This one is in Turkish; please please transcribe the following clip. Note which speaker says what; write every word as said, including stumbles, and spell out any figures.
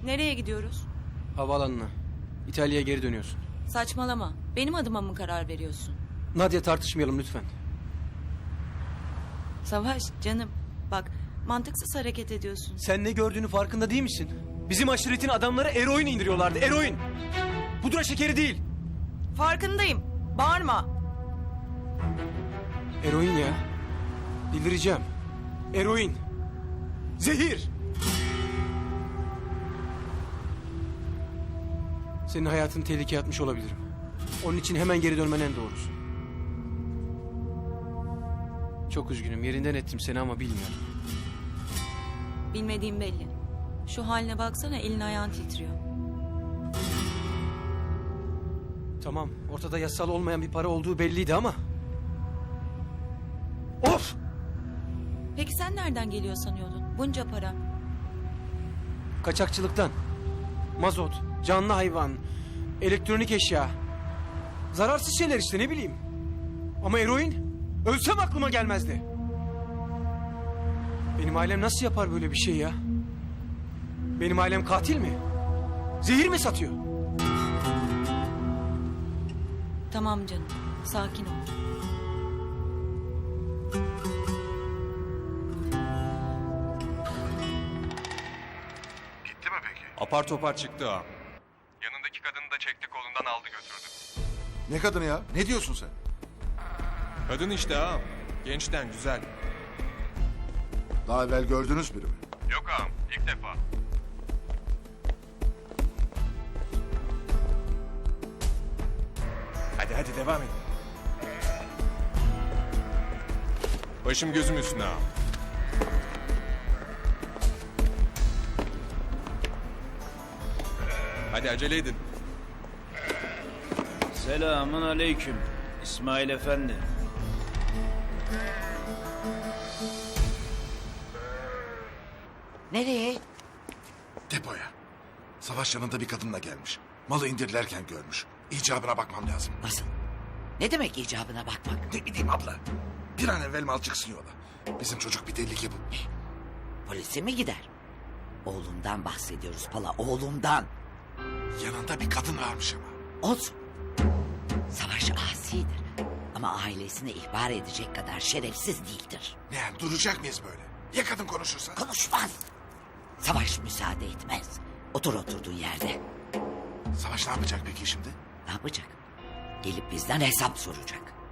Speaker 1: Nereye gidiyoruz?
Speaker 2: Havaalanına. İtalya'ya geri dönüyorsun.
Speaker 1: Saçmalama. Benim adıma mı karar veriyorsun?
Speaker 2: Nadia, tartışmayalım lütfen.
Speaker 1: Savaş canım. Bak mantıksız hareket ediyorsun.
Speaker 2: Sen ne gördüğünü farkında değil misin? Bizim aşiretin adamları eroin indiriyorlardı. Eroin. Pudra şekeri değil.
Speaker 1: Farkındayım. Bağırma.
Speaker 2: Eroin ya. Delireceğim. Eroin. Zehir. Senin hayatını tehlikeye atmış olabilirim. Onun için hemen geri dönmen en doğrusu. Çok üzgünüm. Yerinden ettim seni ama bilmiyorum.
Speaker 1: Bilmediğim belli. Şu haline baksana, elin ayağın titriyor.
Speaker 2: Tamam. Ortada yasal olmayan bir para olduğu belliydi ama... Of!
Speaker 1: Peki sen nereden geliyor sanıyordun? Bunca para.
Speaker 2: Kaçakçılıktan. Mazot, canlı hayvan, elektronik eşya. Zararsız şeyler işte, ne bileyim. Ama eroin, ölsem aklıma gelmezdi. Benim ailem nasıl yapar böyle bir şey ya? Benim ailem katil mi? Zehir mi satıyor?
Speaker 1: Tamam canım. Sakin ol.
Speaker 3: Gitti mi peki?
Speaker 4: Apar topar çıktı ağam.
Speaker 3: Yanındaki kadını da çekti kolundan aldı götürdü.
Speaker 5: Ne kadını ya? Ne diyorsun sen?
Speaker 4: Kadın işte ağam. Gençten güzel.
Speaker 5: Daha evvel gördünüz biri mi?
Speaker 3: Yok ağam, ilk defa.
Speaker 4: Hadi hadi devam edin. Başım gözüm üstüne ağam. Hadi acele edin.
Speaker 6: Selamun aleyküm İsmail Efendi.
Speaker 7: Nereye?
Speaker 5: Depoya. Savaş yanında bir kadınla gelmiş. Malı indirirlerken görmüş. İcabına bakmam lazım.
Speaker 7: Nasıl? Ne demek icabına bakmak?
Speaker 5: Ne bileyim abla. Bir an evvel mal çıksın yola. Bizim çocuk bir tehlike bu.
Speaker 7: Polise mi gider? Oğlumdan bahsediyoruz Pala, oğlumdan.
Speaker 5: Yanında bir kadın varmış ama.
Speaker 7: Olsun. Savaş asidir. Ama ailesine ihbar edecek kadar şerefsiz değildir.
Speaker 5: Ne yani, duracak mıyız böyle? Ya kadın konuşursa?
Speaker 7: Konuşmaz. Savaş müsaade etmez. Otur oturduğun yerde.
Speaker 5: Savaş ne yapacak peki şimdi?
Speaker 7: Ne yapacak? Gelip bizden hesap soracak.